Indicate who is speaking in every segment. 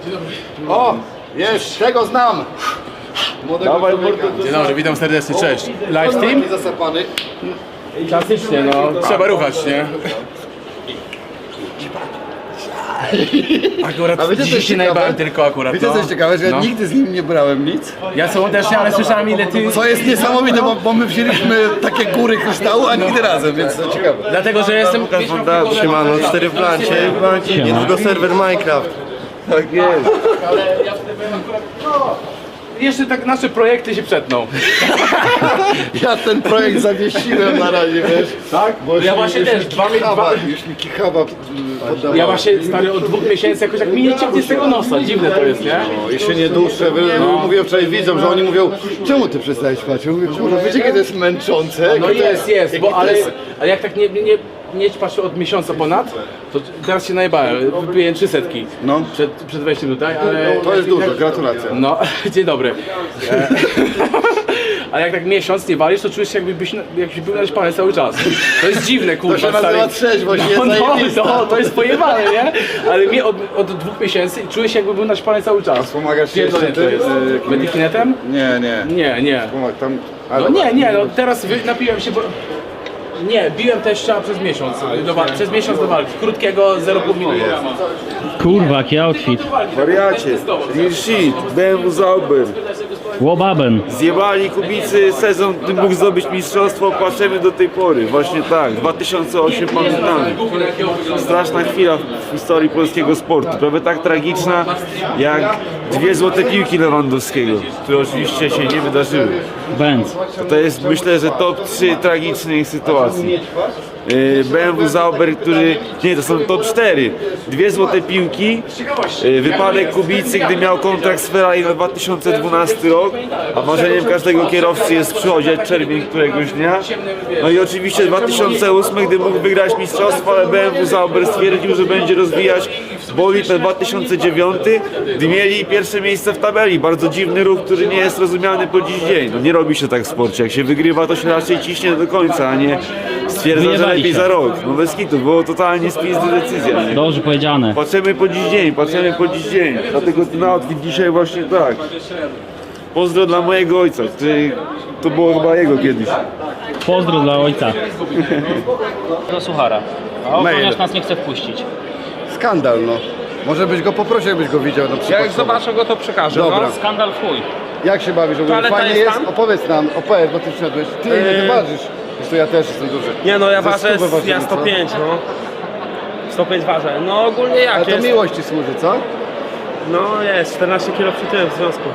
Speaker 1: O! Jest, tego znam!
Speaker 2: Dawaj,
Speaker 3: Dzień dobry, witam serdecznie, cześć. Live stream?
Speaker 1: Zasypany.
Speaker 3: Klasycznie, no. Trzeba ruchać, nie? Akurat
Speaker 1: A wiecie, co
Speaker 3: dzisiaj
Speaker 1: jest
Speaker 3: się
Speaker 1: ciekawe?
Speaker 3: najbałem tylko akurat,
Speaker 1: Wiecie
Speaker 3: no.
Speaker 1: co jest ciekawe, że ja
Speaker 3: No.
Speaker 1: nigdy z nim nie brałem nic.
Speaker 3: Ja sobą też nie, ale słyszałem ile ty...
Speaker 1: Co jest niesamowite, bo my wzięliśmy takie góry kryształu, a nigdy razem, więc to ciekawe.
Speaker 3: Dlatego, że jestem...
Speaker 4: Siemano, 4 w plancie, niedługo serwer Minecraft.
Speaker 1: Tak jest.
Speaker 3: Jeszcze tak nasze projekty się przetną.
Speaker 1: Ja ten projekt zawiesiłem na razie, wiesz?
Speaker 3: Tak?
Speaker 1: Bo
Speaker 3: Ja właśnie też,
Speaker 1: już mi kichaba poddawała.
Speaker 3: Ja właśnie, stary, od 2 miesięcy jakoś jak mi nie ciągnie z tego nosa, dziwne to jest, nie?
Speaker 1: No, i się nie duszę. Mówię wczoraj widzom, że oni mówią, czemu ty przestałeś spać? Ja mówię, kurwa, wiecie, jakie to jest męczące?
Speaker 3: No
Speaker 1: Jakie to
Speaker 3: jest, bo
Speaker 1: jakie to
Speaker 3: ale
Speaker 1: jest-
Speaker 3: jak tak nie ćpasz od miesiąca ponad, to teraz się najbałem, wypiję 300
Speaker 1: No.
Speaker 3: przed wejściem tutaj, ale...
Speaker 1: To jest dużo, gratulacje.
Speaker 3: No, dzień dobry. Ale jak tak miesiąc nie walisz, to czujesz się jakbyś był naćpany cały czas. To jest dziwne, kurwa.
Speaker 1: To się nazywa
Speaker 3: stary.
Speaker 1: trzeźwość, jest zajebista.
Speaker 3: no, to jest pojebane, nie? Ale mi od 2 miesięcy czuję się jakby był naćpany cały czas.
Speaker 1: Pomagasz się
Speaker 3: Pierdolę
Speaker 1: jeszcze
Speaker 3: to jest. Medikinetem?
Speaker 1: Nie.
Speaker 3: Nie.
Speaker 1: Tam,
Speaker 3: No nie, no teraz napiłem się, bo... Nie, biłem teścia przez miesiąc, przez miesiąc do walki, krótkiego 0,5 minuty.
Speaker 5: Kurwa, jaki outfit.
Speaker 4: Wariacie, real shit, BMW Zauber.
Speaker 5: Łobaben.
Speaker 4: Zjebali Kubicy sezon, gdy mógł zdobyć mistrzostwo, płaczemy do tej pory. Właśnie tak, 2008 pamiętamy. Straszna chwila w historii polskiego sportu, prawie tak tragiczna jak 2 złote piłki Lewandowskiego, które oczywiście się nie wydarzyły.
Speaker 5: Benz.
Speaker 4: To jest, myślę, że top 3 tragicznych sytuacji. BMW Zauber, który... Nie, to są top 4. 2 złote piłki, wypadek Kubicy, gdy miał kontrakt z Ferrari na 2012 rok, a marzeniem każdego kierowcy jest przychodzić czerwień któregoś dnia. No i oczywiście 2008, gdy mógł wygrać mistrzostwo, ale BMW Zauber stwierdził, że będzie rozwijać bolid na 2009, gdy mieli pierwsze miejsce w tabeli. Bardzo dziwny ruch, który nie jest rozumiany po dziś dzień. No nie robi się tak w sporcie. Jak się wygrywa, to się raczej ciśnie do końca, a nie stwierdza, że
Speaker 5: Wyjebali
Speaker 4: lepiej
Speaker 5: się.
Speaker 4: za rok. No bez kitu, było totalnie spizna decyzja. Nie?
Speaker 5: Dobrze powiedziane.
Speaker 4: Patrzymy po dziś dzień, patrzymy po dziś dzień. Dlatego ten outfit dzisiaj właśnie tak. Pozdro dla mojego ojca, który... To było chyba jego kiedyś.
Speaker 5: Pozdro dla ojca. Do suchara. A
Speaker 1: Mail.
Speaker 5: ochroniarz nas nie chce wpuścić.
Speaker 1: Skandal, no. Może byś go poprosił, jakbyś go widział na przykład.
Speaker 6: Jak zobaczę go, to przekażę.
Speaker 1: Dobra.
Speaker 6: No.
Speaker 5: Skandal w chuj.
Speaker 1: Jak się bawisz? Ogólnie
Speaker 6: Toaleta
Speaker 1: fajnie
Speaker 6: jest
Speaker 1: jest?
Speaker 6: tam?
Speaker 1: Opowiedz nam, bo ty wszedłeś. Ty ile ty ważysz? Wiesz, to ja też jestem duży.
Speaker 6: Nie no, ja
Speaker 1: Ze
Speaker 6: ważę,
Speaker 1: stówę ważymy,
Speaker 6: ja
Speaker 1: co?
Speaker 6: 105, no. 105 ważę. No ogólnie
Speaker 1: Ale
Speaker 6: jak
Speaker 1: to
Speaker 6: jest?
Speaker 1: miłość ci służy, co?
Speaker 6: No jest, 14 kg przytyłem w związku.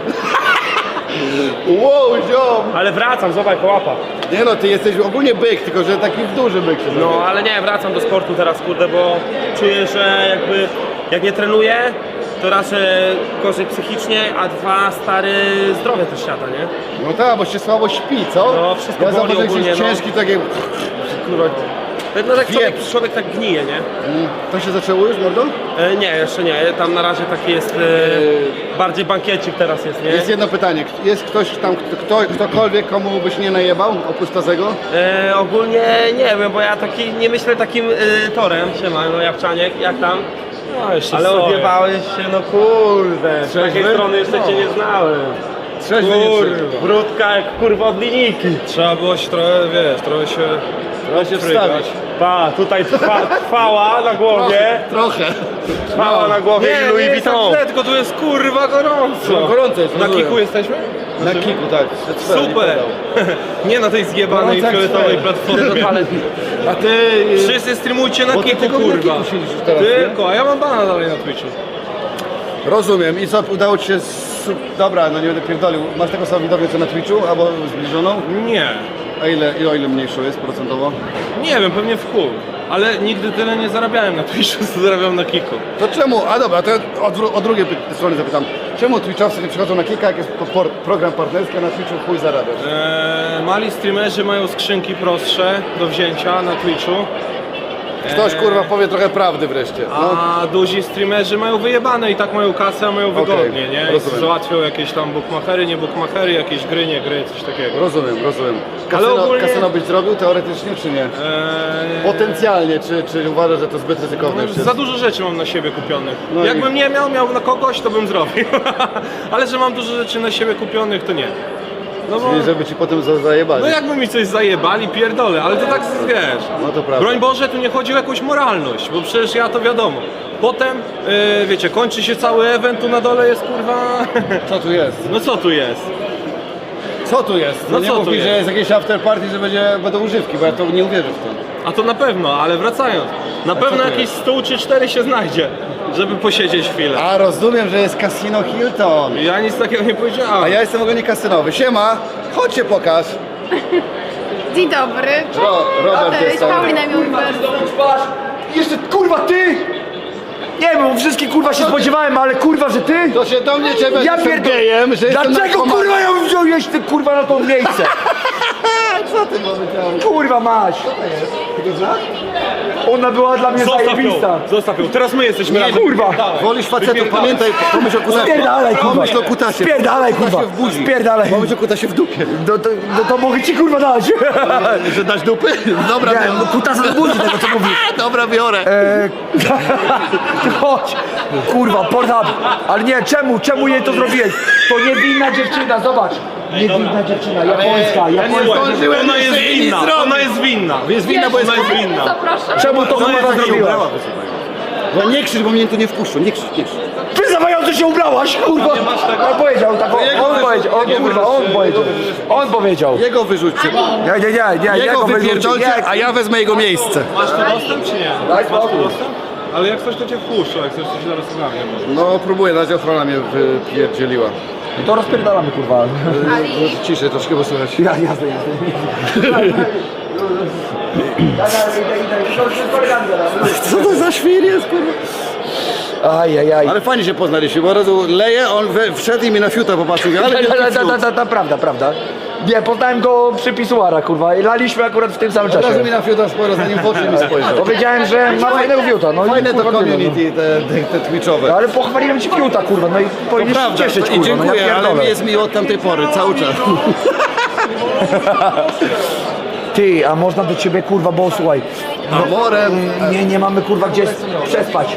Speaker 1: Wow, ziom!
Speaker 6: Ale wracam, zobacz, łapa.
Speaker 1: Nie no, ty jesteś ogólnie byk, tylko że taki duży byk się zrobił.
Speaker 6: No ale nie, wracam do sportu teraz, kurde, bo czuję, że jakby jak nie trenuję, to raz gorzej psychicznie, a 2 stary zdrowie też siada, nie?
Speaker 1: No tak, bo się słabo śpi, co?
Speaker 6: No, wszystko
Speaker 1: ja
Speaker 6: boli
Speaker 1: zauważyłem, że
Speaker 6: ogólnie,
Speaker 1: jest
Speaker 6: no.
Speaker 1: ciężki, takie... Kurwa,
Speaker 6: No tak
Speaker 1: Wieprz.
Speaker 6: człowiek tak gnije, nie?
Speaker 1: to się zaczęło już, mordo?
Speaker 6: Nie, jeszcze nie, tam na razie taki jest, bardziej bankiecik teraz jest, nie?
Speaker 1: Jest jedno pytanie, jest ktoś tam, ktokolwiek, komu byś nie najebał, oprócz Tazego?
Speaker 6: Ogólnie nie wiem, bo ja taki, nie myślę takim torem, siema, no Jawczaniek, jak tam?
Speaker 5: No, jeszcze
Speaker 6: Ale odjebałeś się, no kurde, z takiej
Speaker 1: Trzeźwy?
Speaker 6: strony jeszcze cię nie znałem.
Speaker 1: Trzeźwy nie
Speaker 6: Kurwa, brudka jak kurwa od linijki. Trzeba było się trochę, wiesz, trochę się
Speaker 1: Trzeba się wstawić.
Speaker 6: Pa, tutaj trwała na głowie,
Speaker 1: Trochę.
Speaker 6: trwała na głowie i Louis Vuitton.
Speaker 7: tylko tu jest kurwa gorąco.
Speaker 1: No, gorąco jest.
Speaker 7: Na
Speaker 1: rozumiem.
Speaker 7: kiku jesteśmy?
Speaker 1: Na kiku, tak.
Speaker 7: Super! Nie na tej zjebanej
Speaker 1: Gorąco jak
Speaker 7: fioletowej
Speaker 1: sfer.
Speaker 7: platformie.
Speaker 1: A ty...
Speaker 7: Wszyscy streamujcie na
Speaker 1: Bo ty
Speaker 7: kiku,
Speaker 1: tylko na
Speaker 7: kurwa.
Speaker 1: kiku siedzisz już teraz, nie?
Speaker 7: Tylko, a ja mam bana dalej na Twitchu.
Speaker 1: Rozumiem. I co, udało ci się... Dobra, no nie będę pierdolił. Masz taką samą widownię co na Twitchu, albo zbliżoną?
Speaker 7: Nie.
Speaker 1: A o ile mniejszą jest procentowo?
Speaker 7: Nie wiem, pewnie w chuj. Ale nigdy tyle nie zarabiałem na Twitchu, co zarabiam na kiku.
Speaker 1: To czemu? A dobra, to o drugiej strony zapytam. Czemu Twitchowcy nie przychodzą na kilka, jak jest program partnerski, a na Twitchu chuj zarabiasz?
Speaker 7: Mali streamerzy mają skrzynki prostsze do wzięcia na Twitchu.
Speaker 1: Ktoś kurwa powie trochę prawdy wreszcie. No.
Speaker 7: A duzi streamerzy mają wyjebane i tak mają kasę, a mają wygodnie, nie? I
Speaker 1: rozumiem.
Speaker 7: załatwią jakieś tam bookmachery, nie bookmachery, jakieś gry, nie gry, coś takiego.
Speaker 1: Rozumiem.
Speaker 7: Ale ogólnie-
Speaker 1: Kasyno byś zrobił teoretycznie czy nie? Potencjalnie, czy uważasz, że to zbyt ryzykowne już jest?
Speaker 7: Za dużo rzeczy mam na siebie kupionych.
Speaker 1: No i-
Speaker 7: Jakbym nie miał na kogoś, to bym zrobił. Ale że mam dużo rzeczy na siebie kupionych, to nie. No bo...
Speaker 1: Czyli żeby ci potem zajebali.
Speaker 7: No jakby mi coś zajebali, pierdolę, ale to tak wiesz.
Speaker 1: No to prawda.
Speaker 7: Broń Boże, tu nie chodzi o jakąś moralność, bo przecież ja to wiadomo. Potem, wiecie, kończy się cały event, tu na dole jest kurwa...
Speaker 1: Co tu jest?
Speaker 7: No co tu jest?
Speaker 1: Co tu jest?
Speaker 7: No
Speaker 1: nie
Speaker 7: co
Speaker 1: mów
Speaker 7: tu
Speaker 1: mi,
Speaker 7: jest?
Speaker 1: że jest jakieś after party, że będą używki, bo ja to nie uwierzę w to.
Speaker 7: A to na pewno, ale wracając. Na pewno
Speaker 1: tu
Speaker 7: jakiś
Speaker 1: jest?
Speaker 7: stół czy 4 się znajdzie, żeby posiedzieć chwilę.
Speaker 1: A rozumiem, że jest Casino Hilton.
Speaker 7: Ja nic takiego nie powiedziałem.
Speaker 1: A ja jestem w ogóle nie kasynowy. Siema, chodź się pokaż.
Speaker 8: Dzień dobry.
Speaker 1: Robert
Speaker 8: Cześć,
Speaker 1: jest tam.
Speaker 8: Paulina Miłber.
Speaker 9: Jeszcze kurwa ty! Nie wiem, bo wszystkich kurwa się spodziewałem, ale kurwa, że ty?
Speaker 1: To się do mnie ciebie
Speaker 9: Ja
Speaker 1: jestem
Speaker 9: pierdolę.
Speaker 1: gejem, że jestem
Speaker 9: Dlaczego
Speaker 1: narkomanem.
Speaker 9: kurwa ją wziąłeś ty kurwa na to miejsce?
Speaker 1: Co ty mamy tam?
Speaker 9: Kurwa masz!
Speaker 1: Ty go znasz?
Speaker 9: Ona była dla mnie zajebista.
Speaker 7: Zostaw ją, teraz my jesteśmy razem.
Speaker 9: Kurwa!
Speaker 1: Wolisz facetów, pamiętaj, pomyśl o kutasie.
Speaker 9: Spierdalaj kurwa!
Speaker 1: Pomyśl o kutasie.
Speaker 9: Spierdalaj kurwa!
Speaker 1: Kutasie w buzi.
Speaker 9: Spierdalaj!
Speaker 1: Pomyśl o kutasie w dupie.
Speaker 9: To mogę ci kurwa dać!
Speaker 1: Że dać dupy? Dobra,
Speaker 9: Nie,
Speaker 1: biorę.
Speaker 9: no kutasa do buzi tego co mówisz.
Speaker 1: Dobra, biorę.
Speaker 9: Chodź! Kurwa, Pornhub! Ale nie, czemu jej to zrobiłeś? To niewinna dziewczyna, zobacz! Niewinna dziewczyna, japońska.
Speaker 7: Ona jest winna, ona jest winna.
Speaker 1: Jest winna, bo jest
Speaker 7: Ona jest winna.
Speaker 8: Zapraszam.
Speaker 9: Czemu to kurwa zrobiła?
Speaker 1: No nie krzycz, bo mnie tu nie wpuszczą, nie krzycz, nie krzycz.
Speaker 9: Ty zawająco się ubrałaś, kurwa! On powiedział tak, on powiedział, on powiedział.
Speaker 1: Jego wyrzućcie.
Speaker 9: Nie,
Speaker 1: Jego
Speaker 9: wyrzuci.
Speaker 1: wypierdolcie, a ja wezmę jego miejsce.
Speaker 7: Masz tu dostęp czy nie?
Speaker 9: Daj spokój.
Speaker 7: Ale jak coś to cię wpuszczą, jak coś to się zaraz ogarnie.
Speaker 1: No próbuję, na razie ochrona mnie wypierdzieliła.
Speaker 9: To rozpierdalamy, kurwa.
Speaker 8: Ali.
Speaker 1: Ciszej troszkę, bo słychać.
Speaker 9: Jasne.
Speaker 1: Co to za świr jest, kurwa?
Speaker 9: Ajajaj.
Speaker 1: Ale fajnie się poznaliśmy, bo od razu leje, on wszedł i mi na fiuta popatrzył, ale
Speaker 9: Prawda. Nie, poznałem go przy pisuara, kurwa. I laliśmy akurat w tym samym
Speaker 1: od razu
Speaker 9: czasie.
Speaker 1: mi na fiuta spojrzał, zanim w oczy mi spojrzał.
Speaker 9: Powiedziałem, że ma fajnego fiuta. No i
Speaker 1: Fajne to
Speaker 9: kurwa, tyle,
Speaker 1: community, te
Speaker 9: no.
Speaker 1: twitchowe.
Speaker 9: Ale pochwaliłem ci fiuta, kurwa. No i powinieneś się
Speaker 1: Prawda,
Speaker 9: cieszyć,
Speaker 1: i
Speaker 9: kurwa. No ja
Speaker 1: dziękuję, ale
Speaker 9: pierdolę.
Speaker 1: mi jest miło od tamtej pory, cały czas.
Speaker 9: Ty, a można do ciebie, kurwa, bo słuchaj.
Speaker 1: Morem.
Speaker 9: Nie mamy, kurwa, gdzie przespać.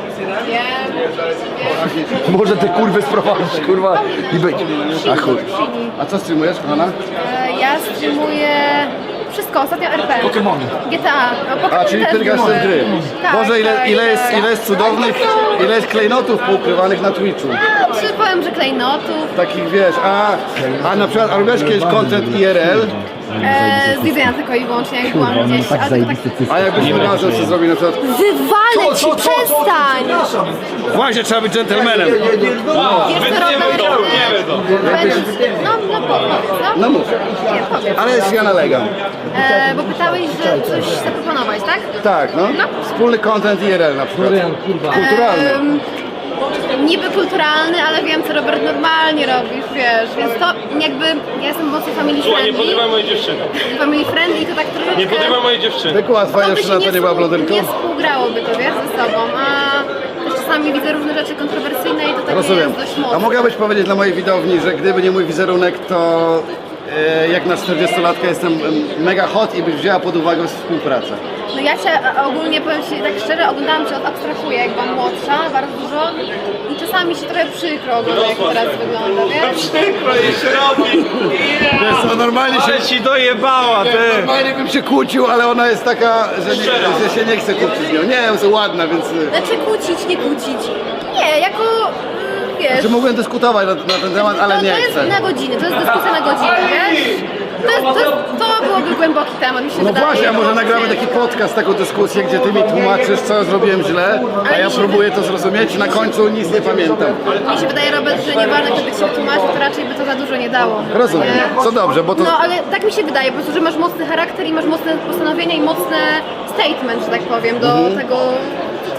Speaker 9: Może te kurwy sprowadzić, kurwa, i być.
Speaker 1: A chuj. A co streamujesz, kochana?
Speaker 8: Ja streamuję wszystko, ostatnio RP.
Speaker 9: Pokemony.
Speaker 8: GTA. No, Pokemon
Speaker 1: A, czyli
Speaker 8: też
Speaker 1: tylko
Speaker 8: streamuję.
Speaker 1: z gry.
Speaker 8: Tak,
Speaker 1: Boże,
Speaker 8: tak,
Speaker 1: ile jest cudownych, ile jest klejnotów poukrywanych na Twitchu.
Speaker 8: Czy powiem, że klejnotów,
Speaker 1: Takich wiesz, a na przykład, a robiłeś kiedyś content IRL,
Speaker 8: z jedzenia tylko i wyłącznie, jak byłam gdzieś. Ale tylko tak,
Speaker 1: a jakbyś nie razem co zrobił na przykład,
Speaker 8: wywalę ci, przestań!
Speaker 1: właśnie trzeba być dżentelmenem.
Speaker 8: Wiesz co, Robert? No powiedz, no.
Speaker 1: No mów,
Speaker 8: Nie, powiedz.
Speaker 1: ale ja nalegam.
Speaker 8: Bo pytałeś, że coś zaproponować, tak?
Speaker 1: Tak, no. Wspólny content IRL na przykład. Kulturalny.
Speaker 8: Niby kulturalny, ale wiem, co Robert normalnie robisz, wiesz, więc to jakby, ja jestem mocno family
Speaker 7: Słuchaj, nie
Speaker 8: friendly,
Speaker 7: podrywaj mojej dziewczyny.
Speaker 8: family friendly i to tak troszeczkę...
Speaker 7: Nie podrywaj mojej dziewczyny.
Speaker 1: Była twoja
Speaker 8: to by
Speaker 1: dziewczyna, to nie była blondynką?
Speaker 8: nie współgrałoby to, wiesz, ze sobą, a też czasami widzę różne rzeczy kontrowersyjne i to takie
Speaker 1: Rozumiem.
Speaker 8: jest dość mocne.
Speaker 1: A mogłabyś powiedzieć dla mojej widowni, że gdyby nie mój wizerunek, to jak na 40-latka jestem mega hot i byś wzięła pod uwagę współpracę.
Speaker 8: No ja cię ogólnie, powiem ci tak szczerze, oglądałam cię od abstrahuję, jak byłam młodsza, bardzo dużo i czasami się trochę przykro ogląda, jak teraz wygląda, wiesz?
Speaker 7: Przykro jej się robi.
Speaker 1: Wiesz co, normalnie się...
Speaker 7: Ale ci dojebała, ty.
Speaker 1: Normalnie bym się kłócił, ale ona jest taka, że się nie chce kłócić z nią. Nie, jest ładna, więc...
Speaker 8: Znaczy kłócić, nie kłócić. Nie, jako, wiesz...
Speaker 1: Że mogłem dyskutować na ten temat, ale nie
Speaker 8: to jest
Speaker 1: chcę.
Speaker 8: na godzinę, to jest dyskusja na godzinę, wiesz? To byłoby głęboki temat, mi się
Speaker 1: No
Speaker 8: wydaje.
Speaker 1: właśnie, a może nagramy taki podcast, taką dyskusję, gdzie ty mi tłumaczysz, co zrobiłem źle, a ja próbuję to zrozumieć i na końcu nic nie pamiętam.
Speaker 8: Mi się wydaje, Robert, że nieważne, kto by ci wytłumaczył, to raczej by to za dużo nie dało.
Speaker 1: Rozumiem.
Speaker 8: Nie?
Speaker 1: Co dobrze, bo to...
Speaker 8: No ale tak mi się wydaje, po prostu, że masz mocny charakter i masz mocne postanowienia i mocne statement, że tak powiem, do tego, co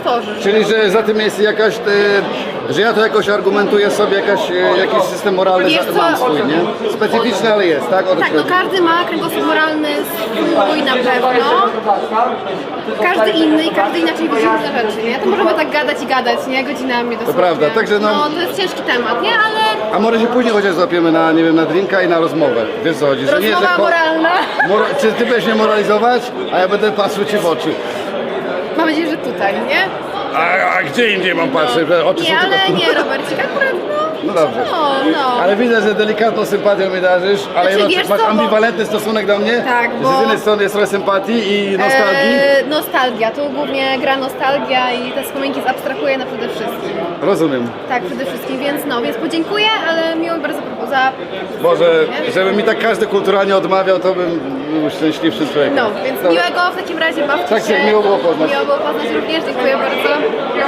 Speaker 8: tworzy.
Speaker 1: Czyli, że za tym jest jakaś, że ja to jakoś argumentuję sobie, jakiś system moralny
Speaker 8: Wiesz co?
Speaker 1: mam swój, nie? Specyficzny, ale jest, tak?
Speaker 8: Tak, no każdy ma kręgosłup moralny swój na pewno. Każdy inny i każdy inaczej widzi różne rzeczy, nie? To możemy tak gadać i gadać, nie? Godzinami dosłownie.
Speaker 1: prawda, także no-
Speaker 8: No, to jest ciężki temat, nie? Ale
Speaker 1: A może się później chociaż złapiemy na, nie wiem, na drinka i na rozmowę. Wiesz co chodzi? Że nie,
Speaker 8: rozmowa
Speaker 1: że
Speaker 8: moralna.
Speaker 1: Czy ty będziesz mnie moralizować, a ja będę patrzył ci w oczy.
Speaker 8: Mam nadzieję, że tutaj, nie?
Speaker 1: A gdzie indziej mam patrzeć? Oczy
Speaker 8: Nie,
Speaker 1: są
Speaker 8: ale
Speaker 1: tylko...
Speaker 8: nie, Robercik, akurat
Speaker 1: No dobrze.
Speaker 8: no.
Speaker 1: Ale widzę, że delikatną sympatią mi darzysz, ale
Speaker 8: Znaczy,
Speaker 1: jednocześnie
Speaker 8: wiesz
Speaker 1: masz
Speaker 8: co, bo-
Speaker 1: ambiwalentny stosunek do mnie.
Speaker 8: Tak,
Speaker 1: że
Speaker 8: bo-
Speaker 1: z jednej strony jest trochę sympatii i nostalgii.
Speaker 8: Nostalgia, tu głównie gra nostalgia i te wspominki zabstrahuję na przede wszystkim.
Speaker 1: Rozumiem.
Speaker 8: Tak, przede wszystkim, więc podziękuję, ale miło mi bardzo za...
Speaker 1: Może, żeby mi tak każdy kulturalnie odmawiał, to bym był szczęśliwszy człowiek.
Speaker 8: No, więc miłego w takim razie bawcie
Speaker 1: Tak,
Speaker 8: się.
Speaker 1: tak, miło było poznać.
Speaker 8: Miło było poznać również, dziękuję bardzo.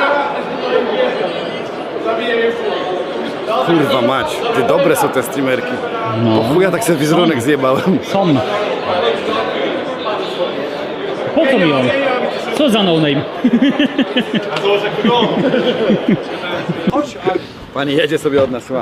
Speaker 1: Kurwa mać, ty dobre są te streamerki.
Speaker 5: No.
Speaker 1: Po chuja tak sobie wizerunek zjebałem.
Speaker 5: Są. Po co mi on? Co za no name?
Speaker 1: Pani jedzie sobie od nas, słucha.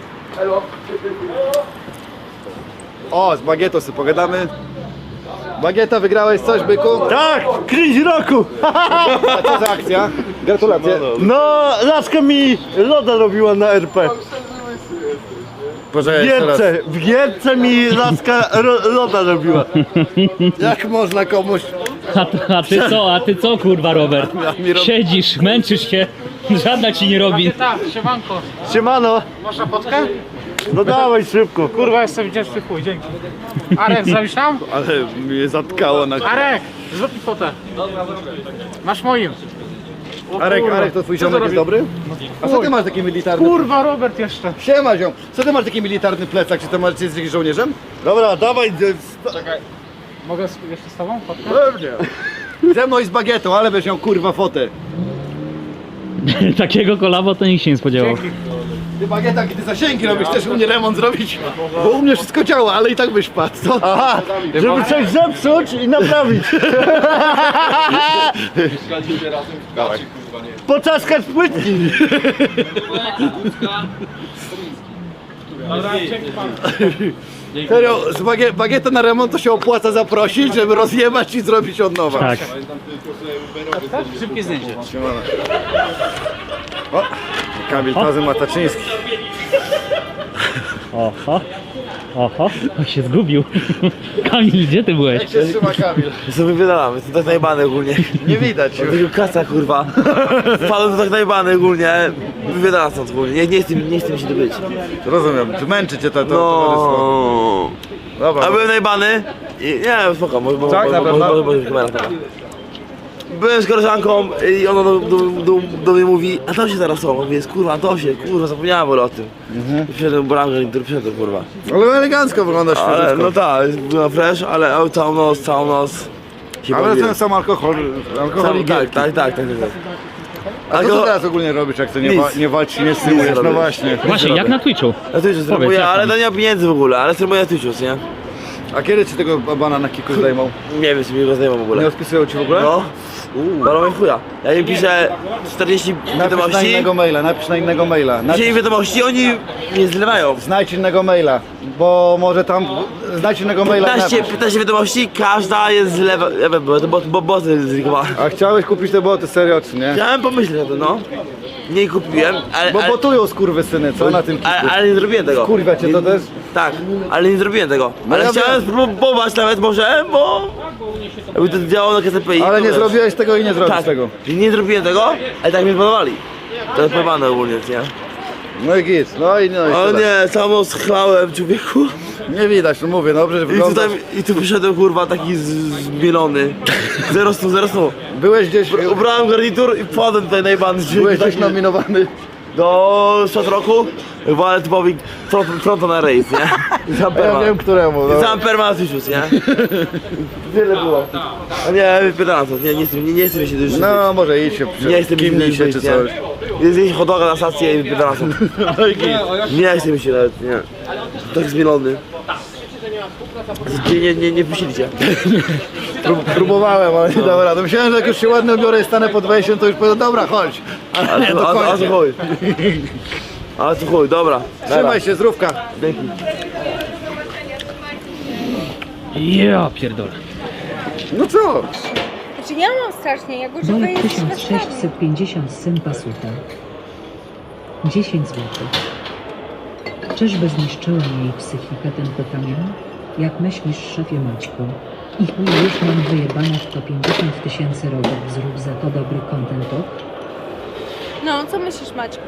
Speaker 1: O, z Bagietą sobie pogadamy. Bagieta, wygrałeś coś, byku?
Speaker 10: Tak, kryć roku!
Speaker 1: A co za akcja? Gratulacje.
Speaker 10: No, laska mi loda robiła na RP.
Speaker 1: Boże,
Speaker 10: W
Speaker 1: jeszcze raz.
Speaker 10: Gierce, w Gierce mi laska loda robiła.
Speaker 1: Jak można komuś...
Speaker 5: A ty co kurwa Robert? Siedzisz, męczysz się, żadna ci nie robi.
Speaker 3: Tak, siemanko.
Speaker 10: Siemano,
Speaker 3: Masz na fotkę?
Speaker 10: no dawaj szybko.
Speaker 3: Kurwa, jestem wdzięczny chuj, dzięki. Arek, zrobisz tam?
Speaker 1: Ale mnie zatkało na...
Speaker 3: Arek, zrób mi fotę. Masz moim. O
Speaker 1: Arek,
Speaker 3: kurwa.
Speaker 1: Arek, to twój
Speaker 3: Co
Speaker 1: ziomek
Speaker 3: to
Speaker 1: jest
Speaker 3: robi?
Speaker 1: dobry? A co ty masz taki militarny...
Speaker 3: Kurwa, Robert jeszcze.
Speaker 1: Siema ziom, co ty masz taki militarny plecak? Czy to masz, czy jesteś jakimś żołnierzem?
Speaker 10: Dobra, dawaj.
Speaker 3: Mogę jeszcze z tobą fotkę?
Speaker 1: Pewnie. Ze mną i z Bagietą, ale będziesz miał kurwa fotę.
Speaker 5: Takiego kolabo to nikt się nie spodziewał.
Speaker 1: Ty Bagieta, kiedy zasięgi robisz, też u mnie remont zrobić, bo u mnie wszystko działa, ale i tak byś padł, co?
Speaker 10: Aha, żeby coś zepsuć i naprawić. Poczaskać płytki.
Speaker 1: Serio, z Bagietę na remont to się opłaca zaprosić, żeby rozjebać i zrobić od nowa.
Speaker 5: Tak.
Speaker 3: Szybkie zdjęcie.
Speaker 1: O, Kamil Tazy Mataczyński.
Speaker 5: Oho. Oho, on się zgubił. Kamil, gdzie ty byłeś?
Speaker 1: Jak się trzyma Kamil?
Speaker 6: Co wypierdalamy, to tak najbany ogólnie.
Speaker 1: Nie widać.
Speaker 6: Tego kasa kurwa. Wpadłem to tak najbany ogólnie. Wypierdalam stąd ogólnie. Nie chcę mi się tu być.
Speaker 1: Rozumiem, męczy cię to towarzystwo.
Speaker 6: No.
Speaker 1: Dobra.
Speaker 6: A byłem najbany i nie, spoko,
Speaker 1: Tak, na pewno?
Speaker 6: może kamera taka. Byłem z koleżanką i ona do mnie mówi, a to się teraz są, mówię, kurwa, to się, kurwa, zapomniałem o tym. I przyszedłem bramkę, który przyszedł, kurwa.
Speaker 1: Ale elegancko wyglądasz
Speaker 6: Ale,
Speaker 1: świeżutko.
Speaker 6: no tak, była fresh, ale całą noc się
Speaker 1: Ale
Speaker 6: bawiłem.
Speaker 1: ten sam alkohol i
Speaker 6: Tak.
Speaker 1: A co ty teraz ogólnie robisz, jak to
Speaker 6: Nic.
Speaker 1: nie walczysz, nie streamujesz?
Speaker 6: Nic
Speaker 1: No
Speaker 6: robię.
Speaker 1: właśnie.
Speaker 5: Właśnie, jak na Twitchu?
Speaker 6: Na Twitchu
Speaker 5: Powiedz,
Speaker 6: streamuję,
Speaker 5: jak
Speaker 6: ale
Speaker 5: tam?
Speaker 6: to nie ma pieniędzy w ogóle, ale streamuję na Twitchu, nie?
Speaker 1: A kiedy ci tego bana na kiku zdejmą?
Speaker 6: Nie wiem, czy mi go zdejmą w ogóle.
Speaker 1: Nie odpisują ci w ogóle?
Speaker 6: No, balą mi chuja. Ja im piszę 40
Speaker 1: Napisz na
Speaker 6: wiadomości,
Speaker 1: innego maila, napisz na innego maila.
Speaker 6: piszę im wiadomości, oni nie zlewają.
Speaker 1: Znajdź innego maila, bo może tam... Znajdź innego maila i napisz.
Speaker 6: 15 wiadomości, każda jest zlewa... Ja wiem, bo boty zlikowała.
Speaker 1: A chciałeś kupić te boty serio, czy nie?
Speaker 6: Chciałem pomyśleć o tym, no. Nie kupiłem, ale...
Speaker 1: Bo botują skurwysyny, co na tym kiku?
Speaker 6: ale nie zrobiłem tego.
Speaker 1: Kurwa cię to też?
Speaker 6: Tak, ale nie zrobiłem tego.
Speaker 1: No
Speaker 6: Ale
Speaker 1: ja
Speaker 6: chciałem spróbować nawet może, bo... Jakby to działało na KCPI.
Speaker 1: Ale
Speaker 6: to
Speaker 1: nie
Speaker 6: wiesz.
Speaker 1: zrobiłeś tego i nie zrobisz
Speaker 6: Tak,
Speaker 1: tego.
Speaker 6: nie zrobiłem tego, ale tak mnie podawali. To jest pojebane ogólnie, nie?
Speaker 1: No i git, no i
Speaker 6: O
Speaker 1: tyle.
Speaker 6: nie, całą noc chlałem, człowieku.
Speaker 1: Nie widać, no mówię, dobrze, że
Speaker 6: I
Speaker 1: wyglądasz.
Speaker 6: tu wyszedłem kurwa taki zmielony. Zero stu.
Speaker 1: Byłeś gdzieś,
Speaker 6: Ubrałem garnitur i wpadłem tutaj najbany.
Speaker 1: byłeś gdzieś nominowany.
Speaker 6: Do sprzed roku walę typowi fronto na rejs, nie? I sam
Speaker 1: Ja
Speaker 6: perma.
Speaker 1: wiem któremu,
Speaker 6: I
Speaker 1: no.
Speaker 6: sam perma na tysiąc, nie? Wiele było. A nie, wypierdalam to, nie chcę mi się dużo.
Speaker 1: No może idź się,
Speaker 6: Nie chcę mi się
Speaker 1: kimnij się
Speaker 6: dużo,
Speaker 1: czy coś.
Speaker 6: Jest gdzieś hot doga na stację i wypierdalam to.
Speaker 1: No i git.
Speaker 6: Nie chce mi się nawet, nie. Tak zmielony. Nie puścili cię.
Speaker 1: Próbowałem, ale nie dało rady. Myślałem, że jak już się ładnie ubiorę i stanę pod wejściem, to już powiem, dobra, chodź. Ale nie, to
Speaker 6: A
Speaker 1: kończę.
Speaker 6: tu chuj. A tu chuj, dobra.
Speaker 1: Trzymaj się, zdrówka.
Speaker 6: Dzięki.
Speaker 5: Ja pierdolę.
Speaker 1: No co?
Speaker 8: Znaczy ja mam strasznie, jak używam
Speaker 11: Dolek 1650 syn pasuta. 10 zł. Czyżby zniszczyła jej psychikę ten pytanie? Jak myślisz, szefie Maćku? I chuj, już mam wyjebane w to 50 tysięcy robot. Zrób za to dobry content talk.
Speaker 8: No, co myślisz, Maćku?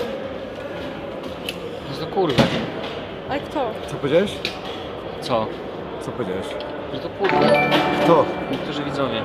Speaker 5: To kurwa.
Speaker 8: Ale kto?
Speaker 1: Co powiedziałeś?
Speaker 5: Co?
Speaker 1: Co powiedziałeś?
Speaker 5: Że to kurwa.
Speaker 1: Kto?
Speaker 5: Niektórzy widzowie.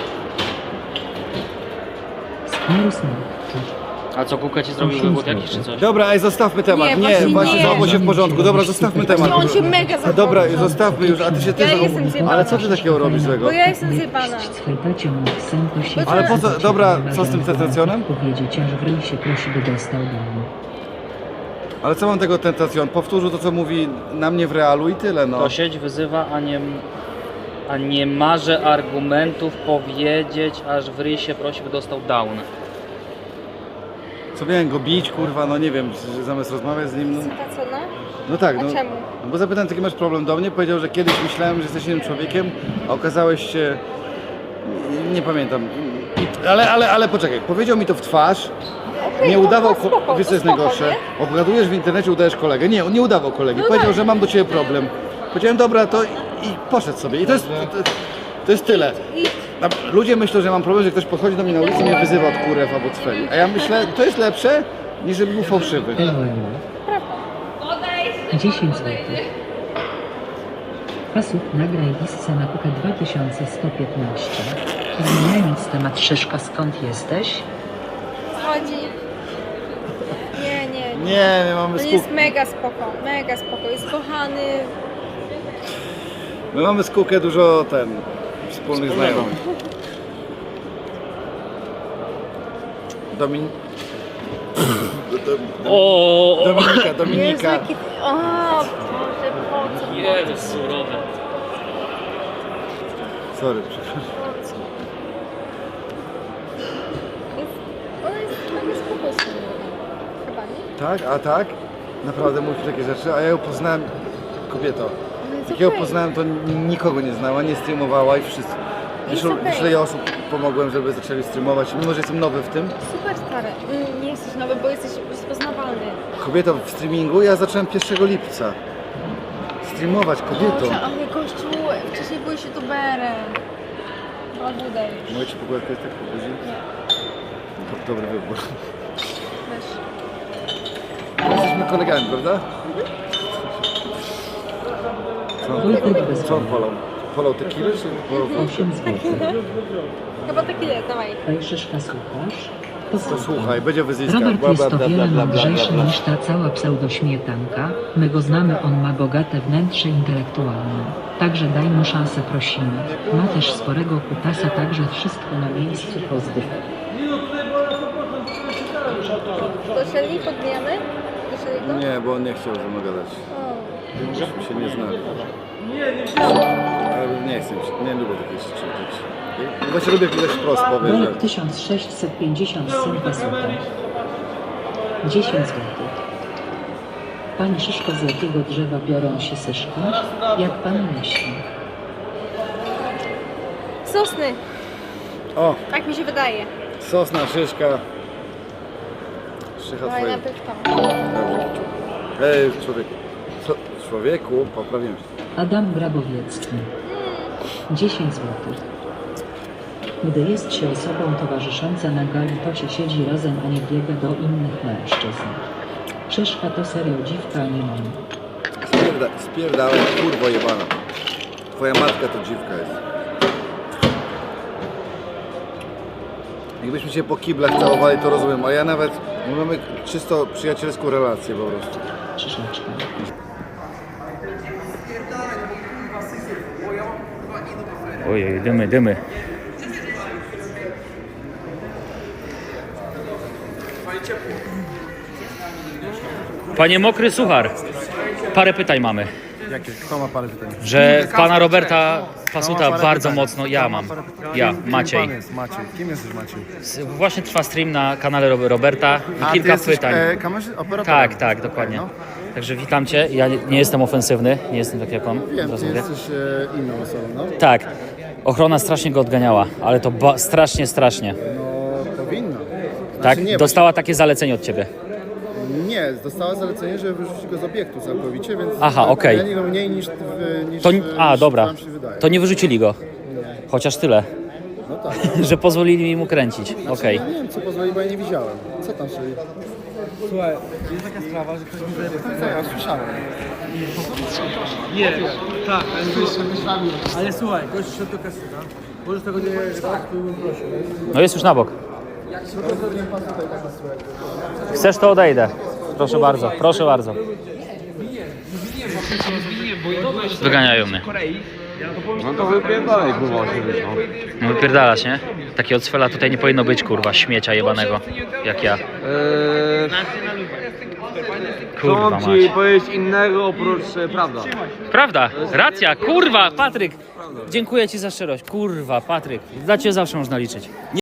Speaker 11: Skóry smak.
Speaker 5: A co, Kuka ci zrobił wywód jakiś czy coś?
Speaker 1: Dobra, ej, zostawmy temat.
Speaker 8: Nie,
Speaker 1: Nie,
Speaker 8: właśnie
Speaker 1: właśnie
Speaker 8: nie.
Speaker 1: zachował się w porządku. Dobra, zostawmy temat.
Speaker 8: On się mega
Speaker 1: A
Speaker 8: zachował.
Speaker 1: dobra, zostawmy już, a ty się
Speaker 8: Ja
Speaker 1: też...
Speaker 8: jestem zjebana.
Speaker 1: Ale co ty takiego robisz złego?
Speaker 8: Bo ja jestem zjebana.
Speaker 1: Ale po co- dobra, co z tym tentacjonem?
Speaker 11: Powiedzieć, aż w ryj się prosi, by dostał domu.
Speaker 1: Ale co mam tego tentacjon? Powtórzył to, co mówi na mnie w realu i tyle, no.
Speaker 5: To sieć wyzywa, a nie marze argumentów powiedzieć, aż w ryj się prosi, by dostał down.
Speaker 1: Co miałem go bić, kurwa, no nie wiem, że zamiast rozmawiać z nim, no,
Speaker 8: Sympacona?
Speaker 1: no tak,
Speaker 8: A
Speaker 1: no.
Speaker 8: czemu?
Speaker 1: No bo zapytałem, jaki masz problem do mnie, powiedział, że kiedyś myślałem, że jesteś innym człowiekiem, a okazałeś się... Nie pamiętam. Ale poczekaj, powiedział mi to w twarz,
Speaker 8: Okej,
Speaker 1: nie
Speaker 8: to
Speaker 1: udawał,
Speaker 8: spoko,
Speaker 1: wiesz co
Speaker 8: to
Speaker 1: jest
Speaker 8: spoko,
Speaker 1: najgorsze?
Speaker 8: nie?
Speaker 1: Obgadujesz w internecie, udajesz kolegę. Nie, on nie udawał kolegi.
Speaker 8: No
Speaker 1: Powiedział,
Speaker 8: tak.
Speaker 1: że mam do ciebie problem. Powiedziałem, dobra, to i poszedł sobie. I to jest tyle. Ludzie myślą, że mam problem, że ktoś podchodzi do mnie na ulicy i mnie wyzywa od kurew albo cweli. A ja myślę, to jest lepsze, niż żeby był fałszywy.
Speaker 11: 10 zł. Pasuk, nagraj listę na Kukę 2115. Zmieniając temat, Szyszka, skąd jesteś?
Speaker 8: Chodzi. Nie.
Speaker 1: Nie, my mamy
Speaker 8: On jest mega spoko, jest kochany.
Speaker 1: My mamy z Kukę dużo wspólnych znajomych. Dominika.
Speaker 8: Jezu, jaki... O, Boże, po co?
Speaker 5: Jezu, surowe.
Speaker 1: Sorry, przepraszam.
Speaker 8: Ona jest mega spoko. Chyba, nie?
Speaker 1: Tak? A tak? Naprawdę mówisz takie rzeczy? A ja ją poznałem, kobieto.
Speaker 8: No jest
Speaker 1: Jak ją
Speaker 8: okej.
Speaker 1: poznałem, to nikogo nie znała, nie streamowała i wszystko.
Speaker 8: Jest
Speaker 1: Wiesz,
Speaker 8: okej.
Speaker 1: ile osób pomogłem, żeby zaczęli streamować, mimo że jestem nowy w tym.
Speaker 8: Super stary. Nie jesteś nowy, bo jesteś rozpoznawalny.
Speaker 1: Kobieto, w streamingu ja zacząłem 1 lipca. Streamować, kobieto.
Speaker 8: Boże, ale gościu, wcześniej byłeś youtuberem. Odbudaj.
Speaker 1: Mogę ci pogłaskać tak po buzi? Dobry wybór.
Speaker 8: Weź.
Speaker 1: Jesteśmy kolegami, prawda? Co on polał? Polał tequilę, czy polał
Speaker 11: 8 zł.
Speaker 8: Chyba taki jest, dawaj.
Speaker 11: Ej, Szyszka, słuchasz?
Speaker 1: To słuchaj, będzie wyzyska.
Speaker 11: Robert jest o wiele mądrzejszy niż ta cała pseudośmietanka. My go znamy, on ma bogate wnętrze intelektualne. Także daj mu szansę, prosimy. Ma też sporego kutasa, także wszystko na miejscu, pozdrów.
Speaker 8: Doszedli, podbijamy? Doszedli go?
Speaker 1: Nie, bo on nie chciał ze mną gadać.
Speaker 8: O.
Speaker 1: Się nie znali. Ale nie chcę, nie lubię takich rzeczy. Właśnie lubię, jak ktoś wprost powie, że...
Speaker 11: Dolek 1650 syn pasuta. 10 zł. Pani Szyszko, z jakiego drzewa biorą się syszki? Jak pan myśli?
Speaker 8: Sosny.
Speaker 1: O,
Speaker 8: Tak mi się wydaje.
Speaker 1: sosna, szyszka. Szycha
Speaker 8: Dawaj
Speaker 1: twoja.
Speaker 8: najpierw tam.
Speaker 1: Dobrze. Ej, człowieku, poprawiłem się.
Speaker 11: Adam Grabowiecki. 10 zł. Gdy jest się osobą towarzyszącą na gali, to się siedzi razem, a nie biega do innych mężczyzn. Szyszka to serio dziwka, a nie mam.
Speaker 1: Spierdałem, kurwo jebana. Twoja matka to dziwka jest. Jakbyśmy się po kiblach całowali, to rozumiem, a ja nawet... My mamy czysto przyjacielską relację po prostu.
Speaker 11: Szyszeczka.
Speaker 5: Ojej, dymy. Panie Mokry Suchar, parę pytań mamy.
Speaker 1: Jakie? Kto ma parę pytań?
Speaker 5: Że pana Roberta Pasuta bardzo mocno, ja mam. Ja, Maciej.
Speaker 1: Maciej. Kim jesteś Maciej?
Speaker 5: Właśnie trwa stream na kanale Roberta i kilka pytań. Tak, tak, dokładnie. Także witam Cię. Ja nie jestem ofensywny, nie jestem tak jak on.
Speaker 1: Wiem,
Speaker 5: Zaraz
Speaker 1: ty
Speaker 5: mówię.
Speaker 1: jesteś inną osobą, no?
Speaker 5: Tak. Ochrona strasznie go odganiała, ale to strasznie.
Speaker 1: No, powinna.
Speaker 5: Tak?
Speaker 1: nie,
Speaker 5: Dostała takie zalecenie od Ciebie.
Speaker 1: Nie, dostała zalecenie, żeby wyrzucić go z obiektu całkowicie, więc...
Speaker 5: Aha, okej.
Speaker 1: Ja nie go mniej niż
Speaker 5: To,
Speaker 1: niż
Speaker 5: dobra.
Speaker 1: wam się wydaje.
Speaker 5: To nie wyrzucili go. Chociaż tyle,
Speaker 1: No tak.
Speaker 5: że pozwolili mu kręcić. Okej.
Speaker 1: Ja nie wiem, co pozwoli, bo ja nie widziałem. Co tam się... Słuchaj, jest taka sprawa, że ktoś mi zajebał. Ja słyszałem.
Speaker 10: Nie, tak, ale słuchaj, gość szedł do kasyna. Możesz tego nie tak, to bym prosił.
Speaker 5: No jest już na bok. Chcesz, to odejdę. Proszę bardzo, proszę bardzo. Wyganiają mnie.
Speaker 2: No to wypierdalaj, kurwa, się wyszło.
Speaker 5: No wypierdalać, nie? Takiego cwela tutaj nie powinno być, kurwa, śmiecia jebanego, jak ja. Kurwa
Speaker 2: Co
Speaker 5: mać.
Speaker 2: ci powiedzieć innego oprócz prawda?
Speaker 5: Prawda, racja, kurwa, Patryk. Dziękuję Ci za szczerość. Kurwa, Patryk. Za Ciebie zawsze można liczyć.